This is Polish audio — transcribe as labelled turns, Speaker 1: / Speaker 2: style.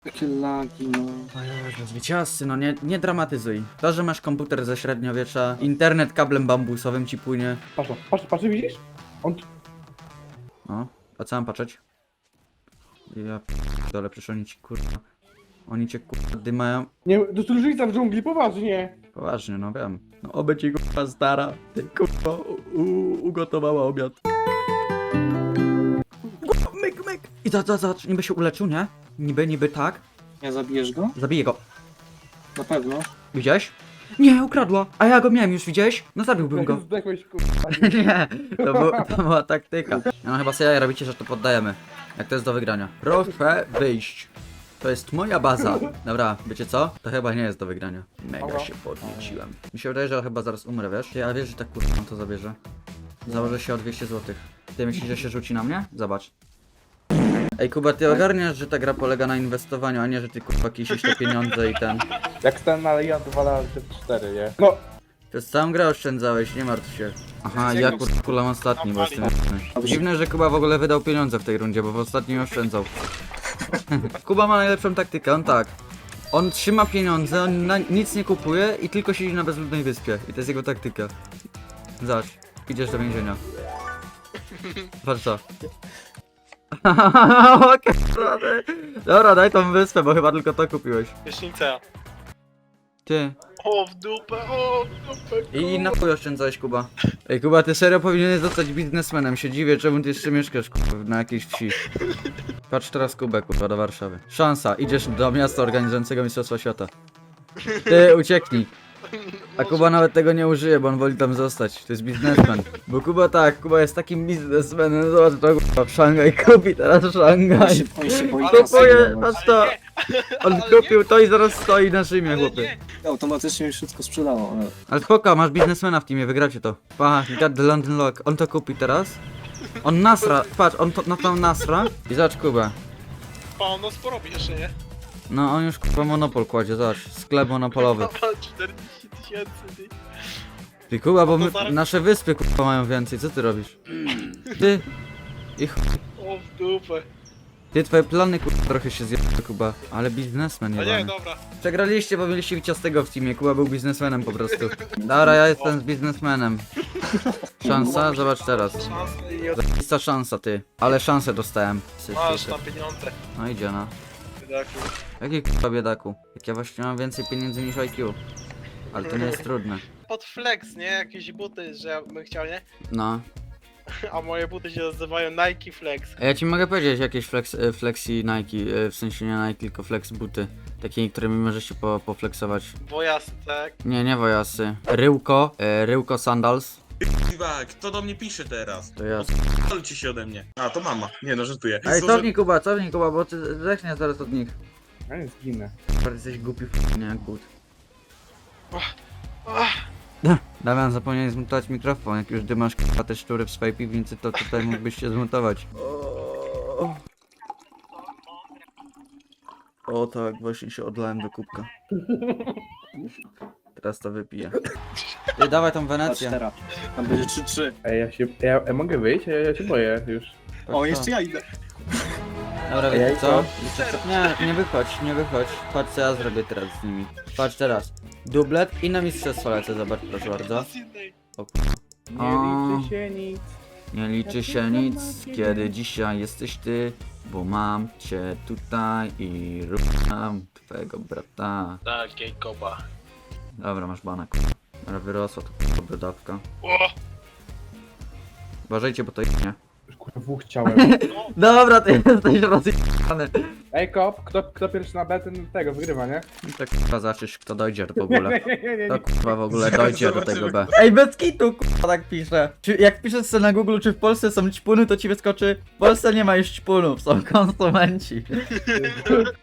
Speaker 1: Jakie lagi, no.
Speaker 2: Zwycięzcy, no nie dramatyzuj. To, że masz komputer ze średniowiecza, internet kablem bambusowym ci płynie.
Speaker 1: Patrz, widzisz? On tu...
Speaker 2: No, a co mam patrzeć? Ja dole, przecież oni ci kurwa. Oni cię kurwa dymają.
Speaker 1: Nie, to jest różnica w dżungli, poważnie.
Speaker 2: Poważnie, no wiem. No oby ci kurwa stara, ty kurwa ugotowała obiad. Myk, myk! I zobacz, niby się uleczył, nie? Niby tak.
Speaker 1: Nie zabijesz go?
Speaker 2: Zabiję go.
Speaker 1: Na pewno.
Speaker 2: Widziałeś? Nie, ukradła. A ja go miałem już, widziałeś? No zabiłbym go.
Speaker 1: Zdechłeś, kurwa.
Speaker 2: Nie, to była taktyka. No chyba sobie robicie, że to poddajemy. Jak to jest do wygrania. Proszę wyjść. To jest moja baza. Dobra, wiecie co? To chyba nie jest do wygrania. Mega się podnieciłem. Mi się wydaje, że chyba zaraz umrę, wiesz? Ja wiesz, że tak kurwa on to zabierze. Założę się o 200 zł. Ty myślisz, że się rzuci na mnie? Zobacz. Ej Kuba, ty ogarniasz, że ta gra polega na inwestowaniu, a nie, że ty kurwa kisisz te pieniądze i ten.
Speaker 1: Jak stan na Leon 2 razy 4, nie? No,
Speaker 2: Przez całą grę oszczędzałeś, nie martw się. Aha, ja kulam ostatni, bo jestem jasny. Dziwne, że Kuba w ogóle wydał pieniądze w tej rundzie, bo w ostatnim oszczędzał. Kuba ma najlepszą taktykę, on tak. On trzyma pieniądze, on nic nie kupuje i tylko siedzi na bezludnej wyspie. I to jest jego taktyka. Zobacz, idziesz do więzienia. Patrz co. Okej, dobra, daj tą wyspę, bo chyba tylko to kupiłeś.
Speaker 3: Prysznica.
Speaker 2: Ty.
Speaker 3: O w dupę, o w dupę.
Speaker 2: I na chuj oszczędzałeś, Kuba. Ej, Kuba, ty serio powinieneś zostać biznesmenem. Się dziwię, czemu ty jeszcze mieszkasz, kurwa, na jakiejś wsi. Patrz teraz, Kubę, kurwa, do Warszawy. Szansa, idziesz do miasta organizującego Mistrzostwa Świata. Ty, ucieknij. A Kuba nawet tego nie użyje, bo on woli tam zostać. To jest biznesmen. Bo Kuba tak, Kuba jest takim biznesmenem. Zobacz to, kurwa, w Szangaj kupi teraz Szangaj.
Speaker 1: on się boi
Speaker 2: Kupuje, patrz to. On kupił to i zaraz stoi na Rzymie, chłopie.
Speaker 1: Automatycznie już wszystko sprzedało.
Speaker 2: Ale spoko, masz biznesmena w teamie, wygracie to. Pa, got the London Lock. On to kupi teraz. On nasra, patrz, on to na tą nasra. I zobacz Kubę.
Speaker 3: Pa, ono sporo jeszcze, nie?
Speaker 2: No on już kurwa monopol kładzie, zobacz. Sklep monopolowy.
Speaker 3: Pa, 40 tysięcy, ty.
Speaker 2: Ty Kuba, bo my,
Speaker 3: zaraz-
Speaker 2: nasze wyspy kurwa mają więcej, co ty robisz? Ty. I
Speaker 3: O w dupę.
Speaker 2: ty, twoje plany kurwa trochę się zjadły, Kuba. Ale biznesmen
Speaker 3: A nie,
Speaker 2: jebany.
Speaker 3: dobra.
Speaker 2: Przegraliście, bo mieliście Wiciastego w teamie, Kuba był biznesmenem po prostu. Dobra, ja jestem z biznesmenem. Szansa? Zobacz teraz.
Speaker 3: Szansa i od...
Speaker 2: Zajebista szansa, ty. Ale szansę dostałem.
Speaker 3: Masz tam pieniądze.
Speaker 2: No idzie, no.
Speaker 3: Biedaku.
Speaker 2: Jaki k***a biedaku? Jak ja właśnie mam więcej pieniędzy niż IQ. Ale to nie jest trudne.
Speaker 3: Pod flex, nie? Jakieś buty, że ja bym chciał, nie?
Speaker 2: No.
Speaker 3: A moje buty się nazywają Nike Flex.
Speaker 2: A ja ci mogę powiedzieć jakieś flexi Nike, w sensie nie Nike, tylko flex buty. Takie, którymi możesz się poflexować.
Speaker 3: Wojasy, tak?
Speaker 2: Nie wojasy. Ryłko sandals.
Speaker 4: Kurwa, kto do mnie pisze teraz?
Speaker 2: To ja.
Speaker 4: Odpalcie się ode mnie. A, to mama. Nie no, żartuję.
Speaker 2: Ej, cofnij Kuba, bo ty zechniesz zaraz od nich.
Speaker 1: Ja nie zginę.
Speaker 2: Bardzo jesteś głupi nie jak but.
Speaker 3: Ach,
Speaker 2: Damian, zapomniałeś zmontować mikrofon. Jak już dymasz k***a te szczury w swojej piwnicy, to tutaj mógłbyś się zmontować. O tak, właśnie się odlałem do kubka. Teraz to wypiję. Ty, dawaj tą
Speaker 1: Patrz
Speaker 2: Wenecję.
Speaker 1: teraz. Tam będzie 3-3.
Speaker 5: Ej, ja mogę wyjść? Ja się boję już.
Speaker 2: Patrz
Speaker 1: O,
Speaker 2: to.
Speaker 1: jeszcze ja idę.
Speaker 2: Dobra, wiecie co?
Speaker 5: Jajko.
Speaker 2: Nie wychodź. Patrz co ja zrobię teraz z nimi. Patrz teraz. Dublet i na mistrzostwo lecę, zobacz proszę bardzo.
Speaker 3: z innej.
Speaker 2: O,
Speaker 5: Nie liczy się nic.
Speaker 2: nie liczy się nic, kiedy dzisiaj jesteś ty, bo mam cię tutaj i rucham twojego brata.
Speaker 3: Tak, gej koba.
Speaker 2: Dobra, masz bana, k***a. Ale wyrosła to k***a brodawka.
Speaker 3: O!
Speaker 2: Uważajcie, bo to nie.
Speaker 5: Już kurwa dwóch chciałem.
Speaker 2: Dobra, ty jesteś rozjebany.
Speaker 5: Ej, kop, kto pierwszy na B, ten tego wygrywa, nie?
Speaker 2: I tak k***a zaczysz, kto dojdzie w ogóle.
Speaker 5: nie.
Speaker 2: To k***a w ogóle dojdzie do tego B. Ej, bez kitu k***a tak pisze. Jak piszesz sobie na Google, czy w Polsce są ćpuny, to ci wyskoczy: w Polsce nie ma już ćpunów, są konsumenci.